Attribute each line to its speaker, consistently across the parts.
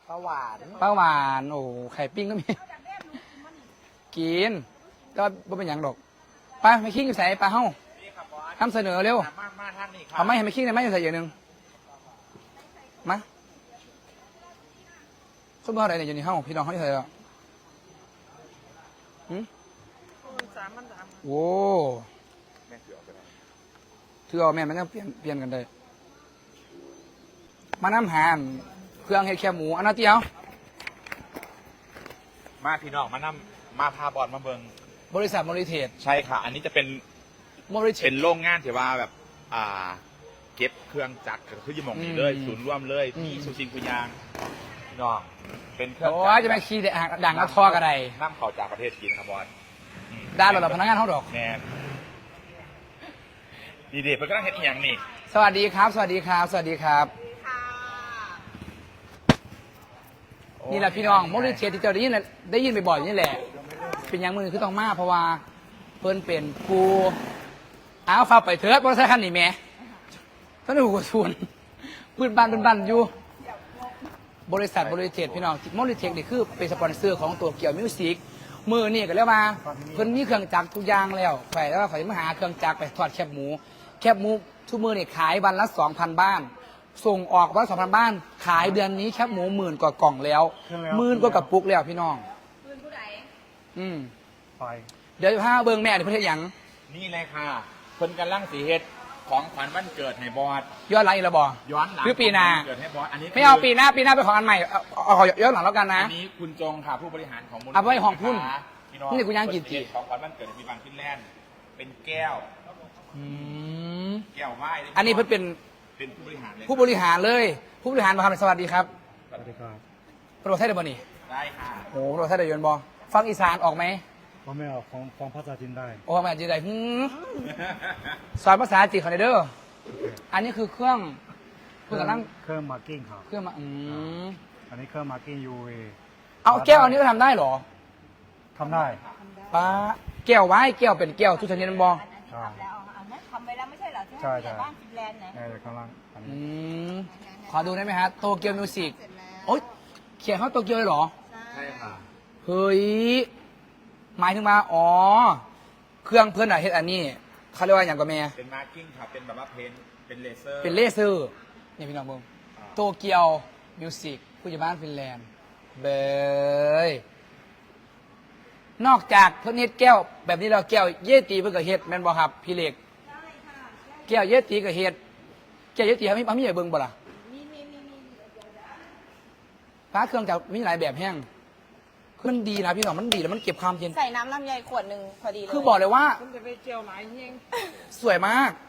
Speaker 1: ปลาหวาน
Speaker 2: ปลาหวานโอ้ไข่ปิ้งก็มีกินก็ไม่เป็นอย่างดอกไปไม่คิงใส่ปลาเฮ้านำเสนอเร็ว
Speaker 1: มาทางนี้ครับ
Speaker 2: เอาไม่ให้ไม่คิงเลยไม่ใส่อย่างหนึ่งมาส้มเบอร์อะไรเนี่ยอยู่ในห้องพี่น้องเขาใส่แล้วโอ้ถือเอาแม่มันจะเปลี่ยนกันได้มาน้ำหานเครื่องเห็ดแคบหมูอันนั้นเตี้ยว
Speaker 1: มาพี่น้องมาพาบอลมาเบิง
Speaker 2: บริษัทโมริเทส
Speaker 1: ใช่ค่ะ อันนี้จะเป็น
Speaker 2: โมริเทส
Speaker 1: เป็นโรงงานที่ว่าแบบเก็บเครื่องจักรคือยี่หมองนี้เลยศูนย์ร่วมเลยมีสุชิงกุยางพี่น้องเป็นเครื่อง
Speaker 2: จักรจะมาขี่ดังแล้วทอกันได
Speaker 1: น้ำเข่าจากประเทศจีนครับบอล
Speaker 2: ด้านเราพนักงานเขาดอก
Speaker 1: แน่ดีๆเพื่อนกำลังเห็นอีกอย่างนี่
Speaker 2: สวัสดีครับสวัสดีครับสวัสดีครับนี่แหละพี่น้องโมดิเทสที่เจ้าได้ยินบ่อยๆนี่แหละเป็นอย่างมือคือต้องมาเพราะว่าเพิ่นเป็นกูเอาฟ้าไปเถิดบริษัทคันนี้แม่ท่านหูส่วนพื้นบ้านอยู่บริษัทโมดิเทสพี่น้องโมดิเทสนี่คือเป็นสปอนเซอร์ของตัวเกี่ยวมิวสิกมือนี่ก็แล้วมาเพิ่นมีเครื่องจักรทุกอย่างแล้วฝ่ายแล้วฝ่ายมาหาเครื่องจักรไปทอดแคบหมูทุกมือนี่ขายวันละ 2,000 บ้านส่งออกวันละ 2,000 บ้านขายเดือนนี้แคบหมู10,000 กว่ากล่องแล้ว10,000 กว่ากระปุกแล้วพี่น้อง
Speaker 3: ผู้ใด
Speaker 1: ไป
Speaker 2: เดี๋ยวพาเบิ่งแม่เดี๋ยวเพิ่นเฮ็ดหยัง
Speaker 1: นี่เลยค่ะเพิ่นกำลังสีเฮ็ดของขวัญวันเกิดให้บอส
Speaker 2: ย้อนหลังอีกแล้วบ่
Speaker 1: ย้อนหลัง
Speaker 2: หรือปีหน้า
Speaker 1: เกิดให้บอสอันนี้
Speaker 2: ไม่เอาปีหน้าเป็นของอันใหม่เอาย้อนหลังแล้วกันนะ
Speaker 1: อันนี้คุณจงค่ะผู้บริหารของมูลนิธิ
Speaker 2: เอาไว้ห้องพุ่นนี่กูย่างกินจี
Speaker 1: ของขวัญวันเกิดมีบางฟินแลนด์เป็นแก้วแก้วไหว้
Speaker 2: อันนี้เพิ่นเป็น
Speaker 1: ผู้บริหารเลย
Speaker 2: ผู้บริหารเลยผู้บริหารมาทำสวัสดีครับ
Speaker 1: สวัสดีครับ
Speaker 2: โปรไทยได้บ่นี่
Speaker 1: ได้ค่ะ
Speaker 2: โอ้โปรไทยได้ยนบ่ฟังอีสานออกไหม
Speaker 4: ไม่ออกของภาษาจีนได้
Speaker 2: โอ้ภาษาจีนได้สอนภาษาจีนเขาเด้ออันนี้คือเครื่องกำลัง
Speaker 4: เครื่องมาร์กิ้งครับ
Speaker 2: เครื่องมา
Speaker 4: อันนี้เครื่องมาร์กิ้ง UV
Speaker 2: เอาแก้วอันนี้ก็ทำได้หรอ
Speaker 4: ทำได้
Speaker 2: ป้าแก้วไว้แก้วเป็นแก้วทุกชนิดมันบ่
Speaker 3: ทำไปแล้วไม่ใช่เหรอ
Speaker 4: ใช่
Speaker 3: บ้านฟินแลนด์นะ
Speaker 4: กำลัง
Speaker 2: ขอดูได้ไหมฮะโตเกียวมิวสิกโอ๊ยเขียนเขาโตเกียวเลยหรอ
Speaker 1: ใช่ค่ะ
Speaker 2: เฮ้ยหมายถึงมาอ๋อเครื่องเพื่อนอะเฮ็ดอันนี้เขาเรียกว่าอย่างกับแม่
Speaker 1: เป็นมาร์กิ้งครับเป็นแบบว่าเพนเป็นเลเซอร์
Speaker 2: นี่พี่น้องเบิ่งโตเกียวมิวสิกผู้ใหญ่บ้านฟินแลนด์เบยนอกจากเพื่อนเฮ็ดแก้วแบบนี้เราแก้วเยตีเพื่อนก็เฮ็ดแม่นบ่ครับพี่เล็กแก้วเยตีก็เฮ็ดแก้วเยตีเขาไม่ใหญ่เบิ่งบ่ล่ะฟ้าเครื่องจักรมีหลายแบบแห้งมันดีนะพี่น้องมันดีแล้วมันเก็บความเย็น
Speaker 3: ใส่น้ำลำไยขวดหนึ่งพอดีเลย
Speaker 2: คือบอกเลยว่า
Speaker 3: คุณจะไปเจียวหลายเฮง
Speaker 2: สวยมาก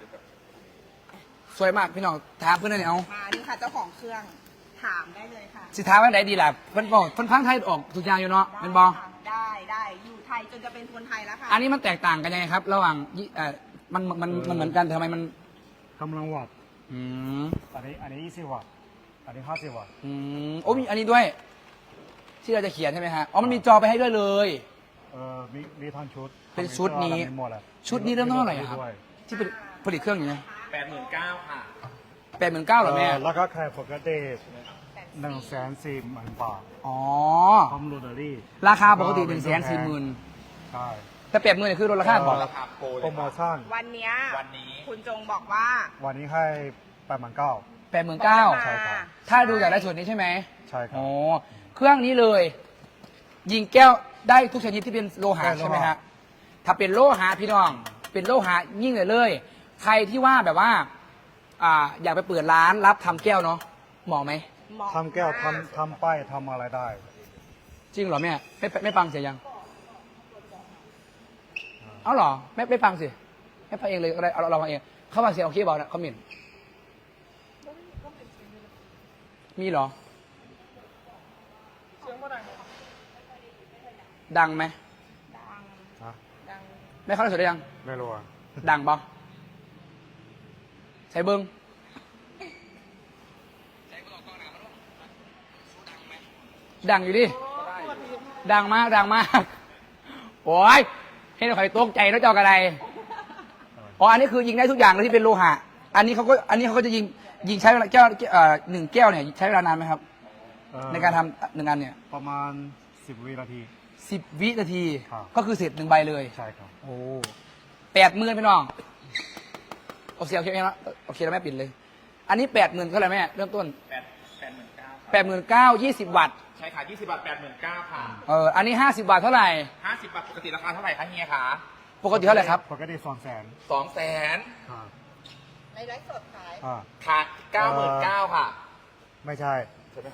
Speaker 2: พี่น้องถามเพื่อนเลยเอา
Speaker 3: มานี่ค่ะเจ้าของเครื่องถามได้เลยค่ะ
Speaker 2: สิท้าว่าไหนดีล่ะเพื่อนบอกเพื่อนพังไทยออกทุกอย่างอยู่เนาะเป็นบอ
Speaker 3: ได้อยู่ไทยจนจะเป็นคนไทยแล้วค่ะ
Speaker 2: อันนี้มันแตกต่างกันยังไงครับระหว่างมันเหมือนกันทำไมมัน
Speaker 4: กำลังวัตต์อันนี้20 วัตต์อันนี้50 วัตต์
Speaker 2: โอ้มีอันนี้ด้วยที่เราจะเขียนใช่ไหมฮะอ๋อมันมีจอไปให้ด้วยเลย
Speaker 4: มีทั้งชุด
Speaker 2: เป็นชุดนี้เริ่มต้นเท่าไหร่ครับที่เป็นผลิตเครื่องอย่างนี้
Speaker 1: 89,000ค่ะ
Speaker 2: 89,000เหรอแม่
Speaker 4: แล้วก็แค่ปกติ140,000 บาท
Speaker 2: อ๋อ
Speaker 4: พร้อมโรตารี่
Speaker 2: ราคาปกติ140,000
Speaker 4: ใช่
Speaker 2: แต่80,000คือลดราคาบอก
Speaker 1: ราคา
Speaker 4: โปรโมชั่น
Speaker 3: วันนี้คุณจงบอกว่า
Speaker 4: วันนี้ให้
Speaker 2: 89,000
Speaker 4: ใช่ครับ
Speaker 2: ถ้าดูจากได้ส่วนนี้ใช่ไหม
Speaker 4: ใช่ครับ
Speaker 2: อ๋อเครื่องนี้เลยยิงแก้วได้ทุกชนิดที่เป็นโลหะใช่ไหมฮะถ้าเป็นโลหะพี่น้องเป็นโลหะยิ่งเลยใครที่ว่าแบบว่าอยากไปเปิดร้านรับทำแก้วเนาะเหมาะไหม
Speaker 4: ทำแก้วทำป้ายทำอะไรได้
Speaker 2: จริงเหรอแม่ไม่ฟังเสียยังเอาเหรอไม่ฟังสิไม่ฟังเองเลยอะไรเราฟังเองเขาฟังเสียงโอเคบอกนะเขาหมิ่นมีเหรอดังไหม
Speaker 3: ดัง
Speaker 2: ไม่เข้าได้สุดได้ยัง
Speaker 4: ไม่รู้อ่ะ
Speaker 2: ดังปะใส่เบิ้งดังอยู่ดิดังมากโอ้ยให้เราคอยตกใจแล้วเจ้ากระไดอ๋ออันนี้คือยิงได้ทุกอย่างเลยที่เป็นโลหะอันนี้เขาก็จะยิงใช้เวลาแก้ว1 แก้วเนี่ยใช้เวลานานไหมครับในการทำหนึ่งอันเนี่ย
Speaker 4: ประมาณ10 วินาที
Speaker 2: 10 วินาที
Speaker 4: ครับ
Speaker 2: ก็คือเสร็จ1 ใบเลย
Speaker 4: ใช่ครับ
Speaker 2: โอ้80,000พี่น้องโอเคแล้วโอเคแล้วแม่ปิดเลย อันนี้80,000เท่าไหร่แม่เริ่มต้น 89,000 20 วัตต์
Speaker 1: ใช่ค่ะ20 บาท 89,000 ค่ะ
Speaker 2: อันนี้50 บาทเท่าไหร่
Speaker 1: 50 บาทปกติราคาเท่าไหร่คะเฮียคะ
Speaker 2: ปกติเท่าไหร่ครับ
Speaker 4: ปกติ200,000
Speaker 1: 200,000
Speaker 4: ครับ
Speaker 3: ในไลฟ์สดขาย
Speaker 1: ค่ะ99,000ค่ะ
Speaker 4: ไม่ใช่
Speaker 1: ใช่ไหมคะ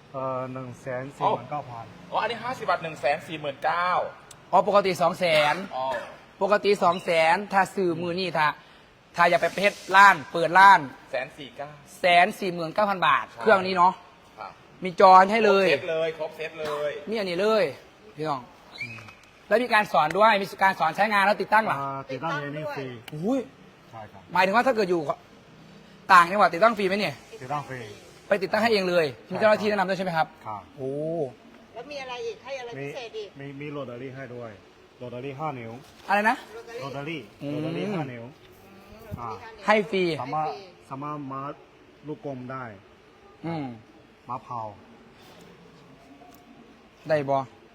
Speaker 4: 149,000
Speaker 1: อ๋ออันนี้50 บาท 149,000
Speaker 2: อ๋อปกติ200,000
Speaker 1: อ๋อ
Speaker 2: ปกติ200,000ถ้าซื้อมือนี่ถ้าอยากไปเพชรล้านเปิดล้าน
Speaker 1: 149,000
Speaker 2: 149,000 บาท
Speaker 1: ใช่
Speaker 2: เครื่องนี้เนาะ
Speaker 1: ค่ะ
Speaker 2: มีจอให้เลย
Speaker 1: ครบเซตเลยครบเซตเลย
Speaker 2: มีอันนี้เลยพี่น้องแล้วมีการสอนด้วยมีการสอนใช้งานแล้วติดตั้งหรอ
Speaker 4: ติดตั้งเองนี่ฟรี
Speaker 2: อุ้ย
Speaker 4: ใช่ครับ
Speaker 2: หมายถึงว่าถ้าเกิดอยู่ต่างจังหวัดติดตั้งฟรีไหมเนี่ย
Speaker 4: ติดตั้งฟรี
Speaker 2: ไปติดตั้งให้เองเลยมีเจ้าหน้าที่แนะนำด้วยใช่ไหมครับ
Speaker 4: ครับ
Speaker 2: โอ้
Speaker 3: แล้วมีอะไรอีก ให้อะไร
Speaker 4: มี
Speaker 3: พิเศษอีก
Speaker 4: มีโรตารี่ให้ด้วยโรตารี่5 นิ้ว
Speaker 2: อะไรนะ
Speaker 4: โรตารี่
Speaker 2: อืม
Speaker 4: โรตารี่5 นิ้ว
Speaker 2: ให้ฟรี
Speaker 4: สามารถมาลูกกลมได้
Speaker 2: อืม
Speaker 4: มาเผา
Speaker 2: ได้บอ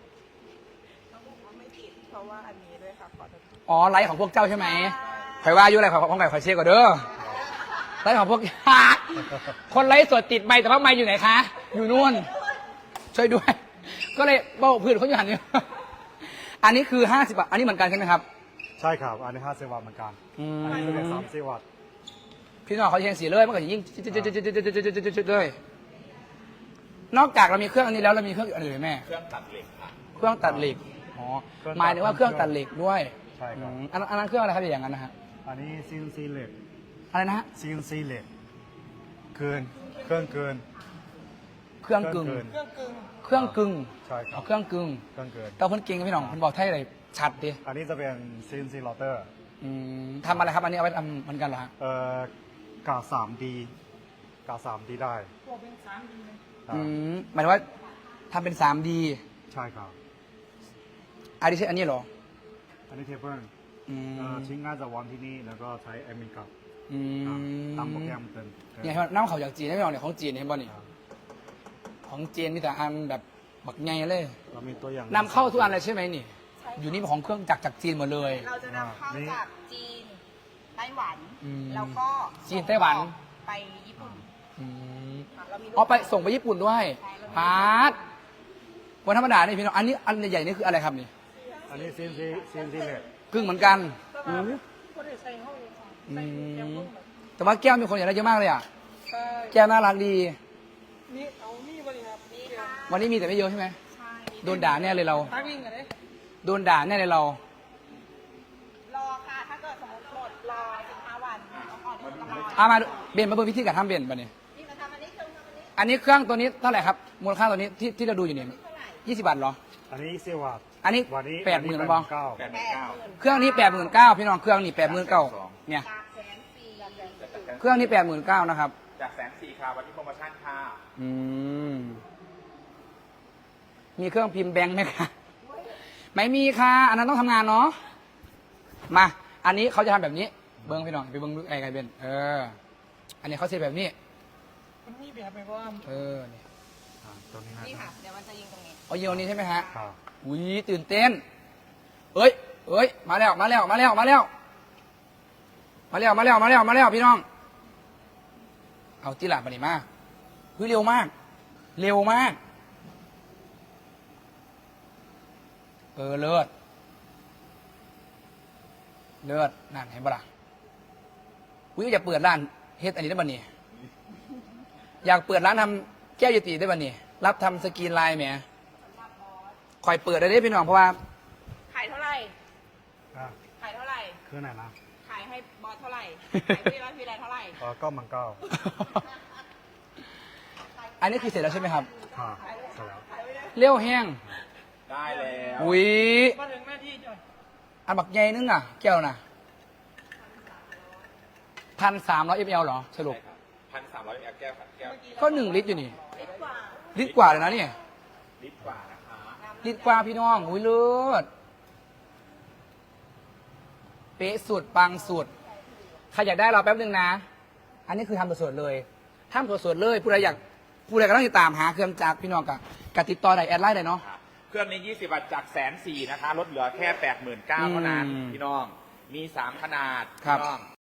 Speaker 3: ไม่ผิด เพราะว่าอันนี้ด้วยค่ะ ขอโทษ
Speaker 2: อ๋อไลฟ์ของพวกเจ้าใช่ไหมใครว่าอยู่อะไรของไก่ขอเช็คก่อนเด้อไลฟ์ของพวก คนไลฟ์สดติดไมค์แต่ว่าไมค์อยู่ไหนคะ อยู่นู่น ช่วยด้วย ก็เลยบอกเพื่อนเขาอยู่หันนี้ อันนี้คือ50 บาท อันนี้เหมือนกันใช่ไหมครับ
Speaker 4: ใช่ครับ อันนี้50 วัตต์เหมือนกัน อันนี้เป็น30 วัตต์
Speaker 2: พี่น้องเขาเชียงสีเลยมันก็จะยิ่งเลย นอกจากเรามีเครื่องอันนี้แล้วเรามีเครื่องอื่นไหมแม่
Speaker 1: เครื่องตัดเหล็กค่ะ
Speaker 2: เครื่องตัดเหล็ก อ๋อ หมายถึงว่าเครื่องตัดเหล็กด้วย
Speaker 4: ใช่ครับ
Speaker 2: อันนั้นเครื่องอะไรครับอย่างนั้นนะฮะ
Speaker 4: อันนี้ CNC เหล็ก
Speaker 2: อะไรนะฮะ
Speaker 4: CNC เหล็กเกินเครื่องเกิน
Speaker 2: เครื่องกึ่ง เครื่องกึ่ง
Speaker 4: ใช่ครับ
Speaker 2: เครื่องกึ่ง
Speaker 4: เครื่องเกิน
Speaker 2: แต่เพิ่นเก่งกับพี่น้องเพิ่นบอกไทยอะไรชัดดิ
Speaker 4: อันนี้จะเป็น CNC router
Speaker 2: ทำอะไรครับ อันนี้เอาไว้ทำเหมือนกันเหรอฮะ
Speaker 4: กา 3D กา 3D ได้
Speaker 2: หมายถึงว่าทำเป็น 3D
Speaker 4: ใช่ครับ
Speaker 2: อันนี้ใช่อันนี้เหรอ
Speaker 4: อันนี้เทเบิล
Speaker 2: อืม
Speaker 4: ชิ้นงานจะวางที่นี่แล้วก็ใช้แอดมินกับ
Speaker 2: อืม
Speaker 4: ตามโปรแกรมเติม
Speaker 2: เนี่ยเห็นไหมน้ำเขาจากจีนให้พี่น้องเนี่ยของจีนเห็นป่ะนี่ของจีนมีแต่อันแบบบักไงเลย
Speaker 4: เรามีตัวอย่าง
Speaker 2: นำเข้าทุกอันเลยใช่ไหมนี่ อยู่นี่ของเครื่องจักรจากจีนหมดเลย
Speaker 3: เราจะนำเข้าจากจีน ไต้หวัน
Speaker 2: อืม
Speaker 3: แล้วก็
Speaker 2: จีนไต้หวัน
Speaker 3: ไปญี่ปุ่น
Speaker 2: อืม
Speaker 3: ค่ะเรามีลูก
Speaker 2: อ๋อไปส่งไปญี่ปุ่นด้วยพาร์ทวันธรรมดานี่พี่น้องอันนี้อันใหญ่ๆนี่คืออะไรครับนี่
Speaker 4: อันนี้ CNC เหล็ก
Speaker 2: กึ่งเหมือนกันอืมแต่ว่าแก้วมีคนอยากได้เยอะมากเลยอ่ะแก้วน่ารักดี
Speaker 3: นี่เอานี่บริครับนี่ค่ะ
Speaker 2: วันนี้มีแต่ไม่เยอะใช่ไหม
Speaker 3: ใช่
Speaker 2: โดนด่าแน่เลยเรา
Speaker 3: ตั้งวิ่งกันเลย
Speaker 2: โดนด่าแน่เลยเรา
Speaker 3: รอค่ะ ถ้าเกิดสมมติหมดรอ15 วันเอาก่อนเดี๋ยวจะรอ
Speaker 2: เอามาดูเบนมาเบิ่งวิธีการทำเบนป่ะเนี่ย
Speaker 3: นี่มาทำอันนี้คือทำอันนี้
Speaker 2: อันนี้เครื่องตัวนี้เท่าไหร่ครับมูลค่าตัวนี้ที่เราดูอยู่เนี่ย
Speaker 3: เท่าไหร่
Speaker 2: 20 บาทเหรอ
Speaker 4: อันนี้20 วัตต์
Speaker 2: อันนี้
Speaker 4: วันนี้
Speaker 2: 80,000มันบอ
Speaker 4: เก้า
Speaker 2: เครื่องนี้89,000พี่น้องเครื่องนี้89,000เนี่ย
Speaker 3: จาก140,000
Speaker 2: เครื่องนี้89,000นะครับ
Speaker 1: จาก140,000ค่ะวันนี้โปรโมชั่นค่ะ
Speaker 2: อืมมีเครื่องพิมพ์แบงค์ไหมคะไม่มีค่ะ อันนั้นต้องทำงานเนาะมา อันนี้เขาจะทำแบบนี้ เบิ้งพี่น้องไปเบิ้งไอ้ไก่เบนอันนี้เขาเซ็ตแบบนี้
Speaker 3: มันมีแบบไหมว่า
Speaker 2: นี่
Speaker 4: ตัวนี้
Speaker 3: นี่
Speaker 4: นะ
Speaker 3: ค่ะ เดี๋ยวมันจะยิงตรงนี้
Speaker 2: เอาเยียวนี้ใช่ไหมฮะ
Speaker 4: ครับ
Speaker 2: อุ้ยตื่นเต้นเอ้ยมาแล้วพี่น้องเอาที่หลับมาดิมาเฮ้ยเร็วมาก เลิศนั่นเห็นปะล่ะอุ้ยอยากเปิดร้านเฮ็ดอันนี้ได้ป่ะเนี่ยอยากเปิดร้านทำแก้วเยติได้ป่ะเนี่ยรับทำสกรีนไลน์แหมคอยเปิดได้พี่น้องเพราะว่า
Speaker 3: ขายเท่าไหร่
Speaker 4: อ่ะ
Speaker 3: ขายเท่าไหร่
Speaker 4: คือไหนนะ
Speaker 3: ขายให้บอสเท่าไหร่ ขายพี่ร้อยพี่ไรเท่าไหร่
Speaker 4: ก็มันเก้า
Speaker 2: อันนี้คือเสร็จแล้วใช่ไหมครับ
Speaker 4: ค่ะเสร็จแล้ว
Speaker 2: เลี้ยวแห้ง
Speaker 1: ได้แล้ว
Speaker 2: อุ้ย
Speaker 3: มาถึงหน้าที่จ้ะ
Speaker 2: อันบักใหญ่นึงอ่ะ แก้วน่ะ1,300 ml เหรอสรุป
Speaker 1: 1,300 ml แก้วค่ะแก้ว
Speaker 2: ก็1 ลิตรอยู่นี่ลิตรกว่าเลยนะเนี่ย
Speaker 1: ลิตรกว่านะคะ
Speaker 2: ลิตรกว่าพี่น้องอุ้ยเลิศเป๊ะสุดปังสุดใครอยากได้เราแป๊บนึงนะ อันนี้คือทำสดๆเลยทำสดๆเลยผู้ใดอยากผู้ใดกำลังติดตามหาเครื่องจักรพี่น้องกับติดต่อได้แอดไลน์ได้เนาะ
Speaker 1: เครื่องนี้ 20 วัตต์จาก140,000นะคะลดเหลือแค่ 89,000เท่านั้น
Speaker 2: อืม
Speaker 1: พี่น้องมี 3 ขนาด
Speaker 2: ครับ
Speaker 1: พี่น้อง